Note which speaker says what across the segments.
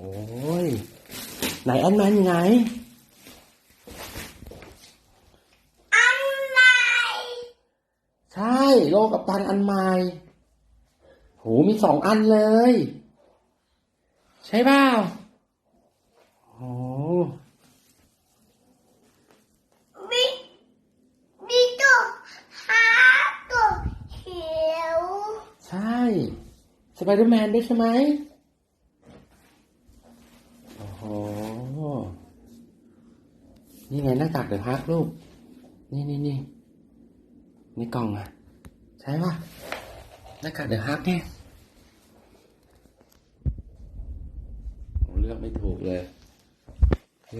Speaker 1: ยไหนแอนแมนอยู่ไหน
Speaker 2: อันใหม่
Speaker 1: ใช่โลกัปตันอันใหม่โหมี2 อันเลย ใช่เปล่าโอ้
Speaker 2: มีมีตัวหาตัวเขียว
Speaker 1: ใช่สไปเดอร์แมนด้วยใช่ไหมโอ้โหนี่ไงหน้ากากเดอะฮักลูกนี่นี่กล่องอ่ะใช่ป่ะหน้ากากเดอะฮักเนี่ยเลือกไม่ถูกเลย
Speaker 2: ดู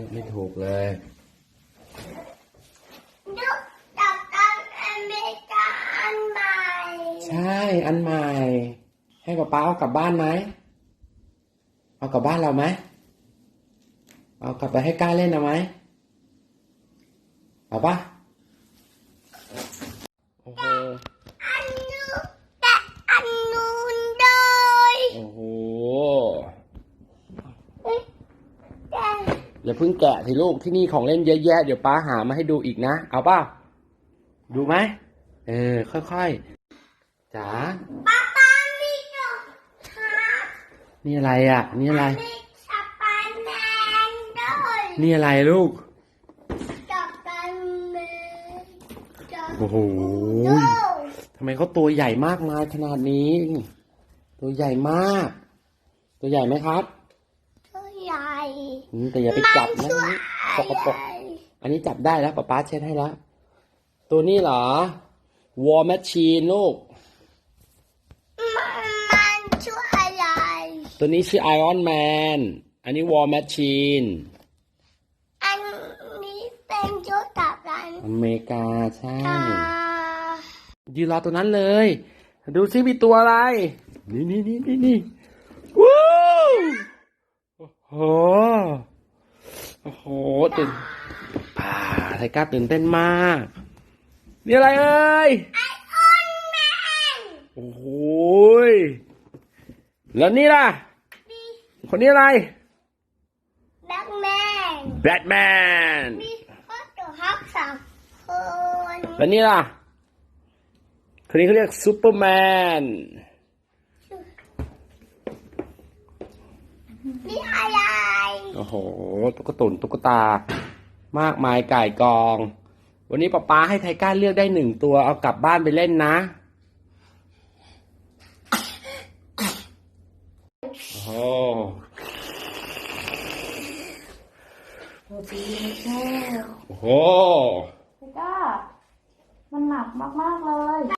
Speaker 2: จากกันอเมริกาอันใหม่
Speaker 1: ใช่อันใหม่ให้ป๊าเอากลับบ้านไหมเอากลับบ้านเราไหมเอากลับไปให้ก้าเล่นเอาไหมเอาปะโอ้โห
Speaker 2: อันนู้นแต่อันนู้นเลย
Speaker 1: โอ้โห
Speaker 2: แต่
Speaker 1: อย่าเพิ่งแกะสิลูกที่นี่ของเล่นเยอะแยะเดี๋ยวป้าหามาให้ดูอีกนะเอาป่ะดูไหมค่อยๆจ๋า
Speaker 2: ป๊ามีตัวหา
Speaker 1: นี่อะไรอ่ะนี่อะไร
Speaker 2: มีสไปแมนด้วย
Speaker 1: นี่อะไรลูก
Speaker 2: จับกันเลย
Speaker 1: โอ้โหทำไมเขาตัวใหญ่มากมายขนาดนี้ตัวใหญ่มากตัวใหญ่ไหมครับ
Speaker 2: ตัวใหญ่
Speaker 1: แต่อย่าไปจับนะสกปรกอันนี้จับได้แล้วป๊าเช็ดให้แล้วตัวนี้เหรอ War Machine ลูก
Speaker 2: มันชื่ออะไร
Speaker 1: ตัวนี้ชื่อ Iron Man อันนี้ War Machine
Speaker 2: อันนี้เป็นชุดกับรัน
Speaker 1: อเมริกาใช่ยืนรอตัวนั้นเลยดูซิมีตัวอะไรนี่ว้าวโอ้โหตื่นไทก้าตื่นเต้นมากนี่อะไรเอ่ย
Speaker 2: ไอออนแมน
Speaker 1: โอ้โหแล้วนี่ล่ะคนนี้อะไร
Speaker 2: แบทแมน
Speaker 1: แบทแมน
Speaker 2: มีข้อตัวฮัก3 คน
Speaker 1: แล้วนี่ล่ะคนนี้เขาเรียกซูเปอร์แมน
Speaker 2: มีอะไร
Speaker 1: โอ้โหตุ๊กตามากมายก่ายกองวันนี้ป๊าให้ไทก้าเลือกได้1 ตัวเอากลับบ้านไปเล่นนะโอ้โหโอ้โห
Speaker 3: ก็มันหนักมากๆเลย